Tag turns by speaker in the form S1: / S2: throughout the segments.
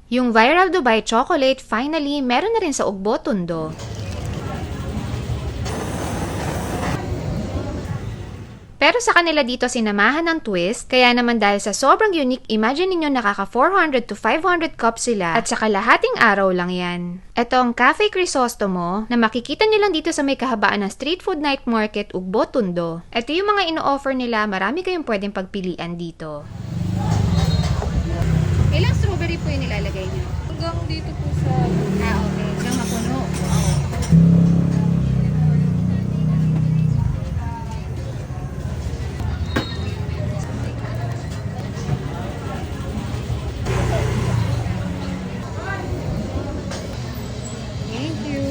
S1: Yung viral Dubai chocolate, finally, meron na rin sa Ugbo, Tondo. Pero sa kanila dito sinamahan ng twist, kaya naman dahil sa sobrang unique, imagine ninyo nakaka 400 to 500 cups sila at sa kalahating araw lang yan. Ito ang Cafe Crisostomo na makikita nyo lang dito sa may kahabaan ng Street Food Night Market, Ugbo, Tondo. Ito yung mga ino-offer nila, marami kayong pwedeng pagpilian dito. Ilang strawberry po yung nilalagay nyo?
S2: Hanggang dito po sa...
S1: Okay. Hanggang mapuno. Wow. Thank you.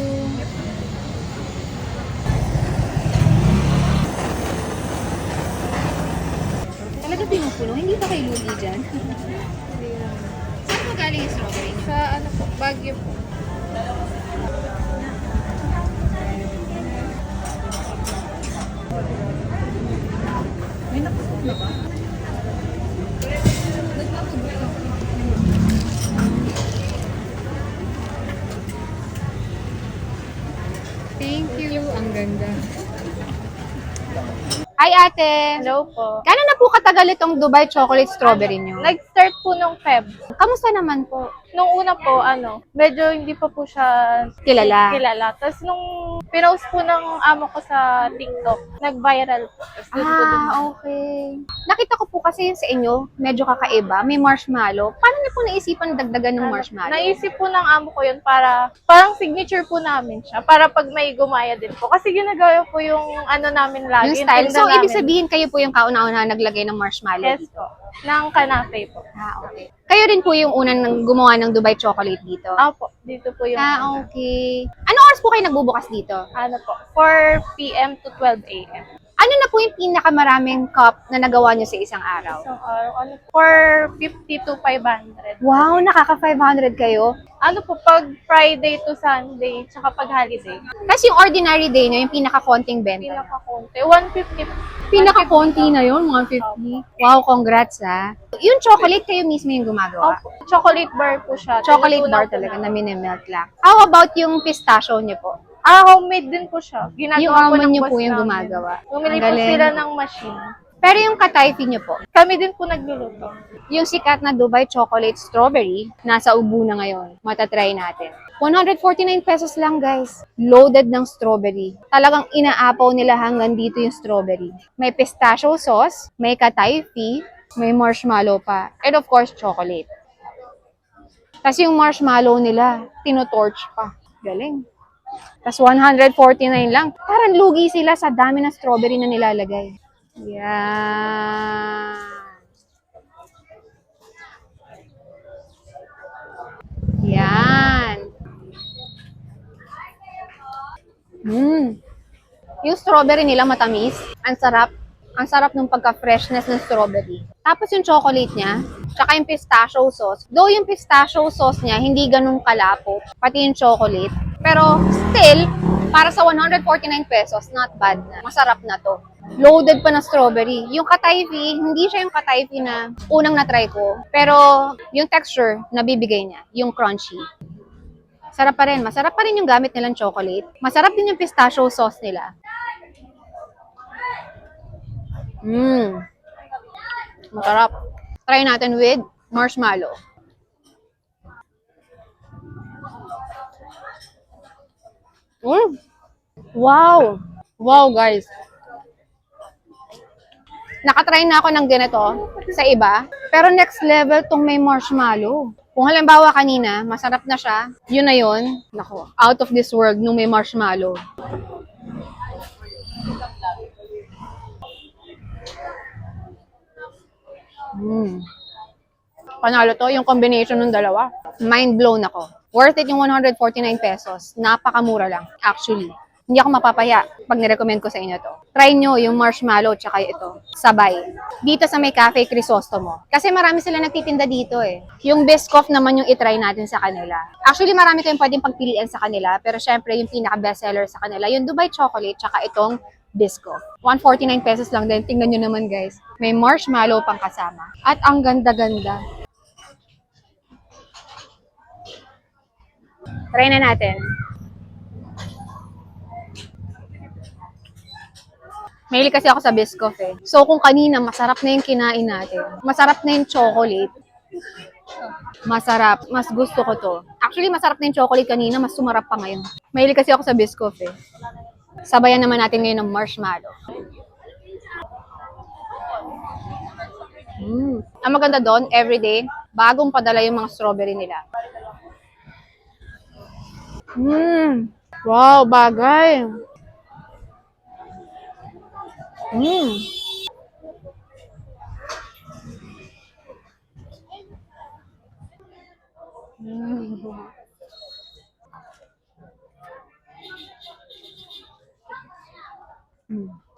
S1: Talaga pinupuno? Hindi ba kayo lugi dyan? Saan po galing yung strawberry nyo?
S2: Sa ano po, Baguio po.
S1: May napasok na ba? Thank you. Ang ganda. Hi ate!
S2: Hello po.
S1: Kano na po katagal itong Dubai chocolate strawberry nyo?
S2: Nag-start po nung Feb.
S1: Kamusta naman po?
S2: Nung una po, medyo hindi pa po siya
S1: Kilala.
S2: Tapos nung pinost po ng amo ko sa TikTok, nag-viral po. Tapos doon po din.
S1: Okay. Nakita ko po kasi sa inyo, medyo kakaiba. May marshmallow. Paano niyo po naisipan dagdagan ng marshmallow?
S2: Naisip po ng amo ko yun para, parang signature po namin siya. Para pag may gumaya din po. Kasi ginagawa po yung namin lagi.
S1: Yung style.
S2: tinda
S1: So, ibig
S2: namin.
S1: sabihin kayo po yung kauna-una naglagay ng marshmallow
S2: Yes
S1: dito?
S2: po. Ng kanape po.
S1: Okay. Kayo rin po yung unang gumawa ng Dubai chocolate dito?
S2: Opo, dito po yung
S1: Okay. Anong oras po kayo nagbubukas dito?
S2: po, 4 p.m. to 12 a.m.
S1: Ano na po yung pinakamaraming cup na nagawa nyo sa isang araw?
S2: So, 450 to 500.
S1: Wow, nakaka-500 kayo.
S2: Pag Friday to Sunday, tsaka pag holiday.
S1: Tapos yung ordinary day nyo, yung pinaka-konting benta.
S2: Pinaka-konti. 150.
S1: Pinaka-konti na yun, 150. Wow, congrats ha. Yung chocolate, kayo mismo yung gumagawa?
S2: Opo. Chocolate bar po siya.
S1: Chocolate
S2: Tinutunaw
S1: bar
S2: po
S1: talaga
S2: namin.
S1: na minimelt lang. How about yung pistachio nyo po?
S2: Homemade din po siya. Ginagawa
S1: Yung
S2: po
S1: amo
S2: ng
S1: nyo
S2: boss
S1: po yung
S2: namin.
S1: gumagawa.
S2: Bumili
S1: Ang
S2: po
S1: galing.
S2: sila ng machine.
S1: Pero yung katayfi nyo po,
S2: Kami din po nagluluto.
S1: yung sikat na Dubai chocolate strawberry, nasa ubo na ngayon. Matatry natin. 149 pesos lang guys. Loaded ng strawberry. Talagang inaapaw nila hanggang dito yung strawberry. May pistachio sauce, may katayfi, may marshmallow pa. And of course, chocolate. Tapos yung marshmallow nila, tinotorch pa. Galing. Tapos 149 lang. Parang lugi sila sa dami ng strawberry na nilalagay. Yan. Yan. Yung strawberry nila matamis. Ang sarap. Ang sarap ng pagka-freshness ng strawberry. Tapos yung chocolate niya, tsaka yung pistachio sauce. Though yung pistachio sauce niya, hindi ganun kalapot. Pati yung chocolate. Pero still, para sa 149 pesos, not bad na. Masarap na to. Loaded pa na strawberry. Yung katayfi, hindi siya yung katayfi na unang na-try ko. Pero yung texture, nabibigay niya. Yung crunchy. Sarap pa rin. Masarap pa rin yung gamit nilang chocolate. Masarap din yung pistachio sauce nila. Masarap. Try natin with marshmallow. Wow! Wow, guys. Nakatry na ako ng ganito sa iba. Pero next level tong may marshmallow. Kung halimbawa kanina, masarap na siya, yun na yun. Nako, out of this world nung may marshmallow. Panalo to, yung combination ng dalawa. Mind blown ako. Worth it yung 149 pesos. Napakamura lang, actually. Hindi ako mapapaya pag nirecommend ko sa inyo to. Try nyo yung marshmallow tsaka ito. Sabay. Dito sa may Cafe Crisostomo. Kasi marami sila nagtitinda dito eh. Yung Biscoff naman yung itry natin sa kanila. Actually, marami kayong pwedeng pagpilian sa kanila. Pero syempre, yung pinaka-bestseller sa kanila, yung Dubai Chocolate tsaka itong Biscoff. 149 pesos lang din. Tingnan nyo naman guys. May marshmallow pang kasama. At ang ganda-ganda. Try na natin. Mahilig kasi ako sa Biscoff eh. So kung kanina masarap na yung kinain natin, masarap na yung chocolate, masarap, mas gusto ko to. Actually, masarap na yung chocolate kanina, mas sumarap pa ngayon. Mahilig kasi ako sa Biscoff eh. Sabayan naman natin ngayon ng marshmallow. Ang maganda doon, everyday, bagong padala yung mga strawberry nila. Wow, bagay. Mm. Mm.